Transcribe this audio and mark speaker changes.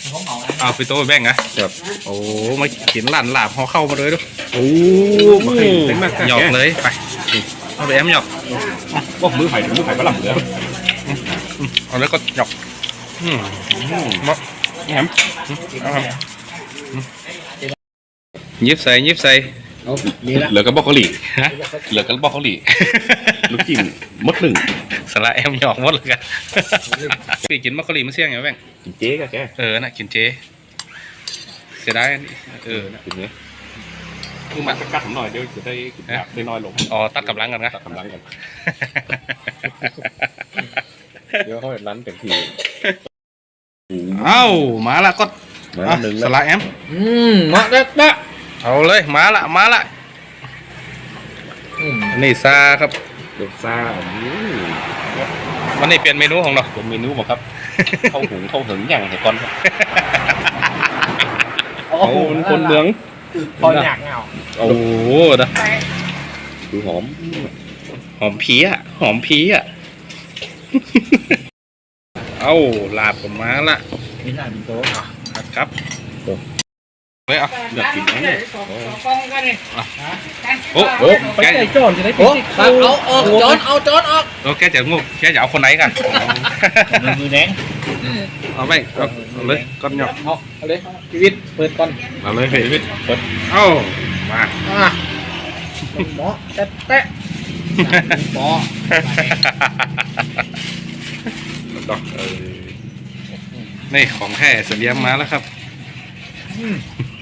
Speaker 1: เอาไปโต้แบ่งนะครับโอ้มากินหลานหลาบเขาเข้ามาเลยดูโอ้มาให้เต็มมากหยอกเลยไปเอาไปแอมหยอก
Speaker 2: มือไผ่ก็หลับเลย
Speaker 1: เอาแล้วก็หยอกมาแอมยิบใส่
Speaker 2: เหลือกับบล็อกโคลี่เหลือกับบล็อกโคลี่ลูกจิ้มมดหนึ่ง
Speaker 1: สละแอมหยอกหมดเลยกันพี่กินมักกะลีมันเสี่ยงไงแบ่ง
Speaker 2: กินเจ๊ก็แก
Speaker 1: น่ะกินเจเสียดาย
Speaker 2: นะกินเนี้ยคือมันกัดผมหน่อยเดี๋ยวจะได้กินได้น้อยลง
Speaker 1: อ๋อตัดกำลังกันนะ
Speaker 2: ตัดกำลังกันเดี๋ยวเขาจะรันเต็มที่
Speaker 1: เอ้ามาละก็สละแอม
Speaker 3: มาได้
Speaker 1: เอาเลยมาละนี่ซาครับ
Speaker 2: เด็กซ่า
Speaker 1: วันนี้เปลี่ยนเมนูของเรา
Speaker 2: เป็นเมนูบอกครับเข้าหุงเข้าหึงอย่างไหนก่อนครับเขาเป็นคนเมือง
Speaker 3: พออยากเงา
Speaker 1: โอ้โหนะ
Speaker 2: ดูห
Speaker 1: อมผีอ่ะเอ้าลาบผมมาละ
Speaker 3: มีหน้าเป็นโต๊ะ
Speaker 1: ครับเฮ้ย
Speaker 2: อยากกินไหมเนี่ย
Speaker 1: โอ้
Speaker 3: ไปใจโจรจะได้ปิดเอาโจร
Speaker 1: ออกแกจะงูแกจะเอาคนไหนกัน
Speaker 3: มือแดง
Speaker 1: เอาไปเอาเลยก้อนหยอก
Speaker 3: เอาเลยชีวิตเปิดก่อน
Speaker 1: เอาเลยชีวิตเปิดเอ้ามา
Speaker 3: หมอแตะหมอ
Speaker 1: นี่ของแท้เสียมมาแล้วครับ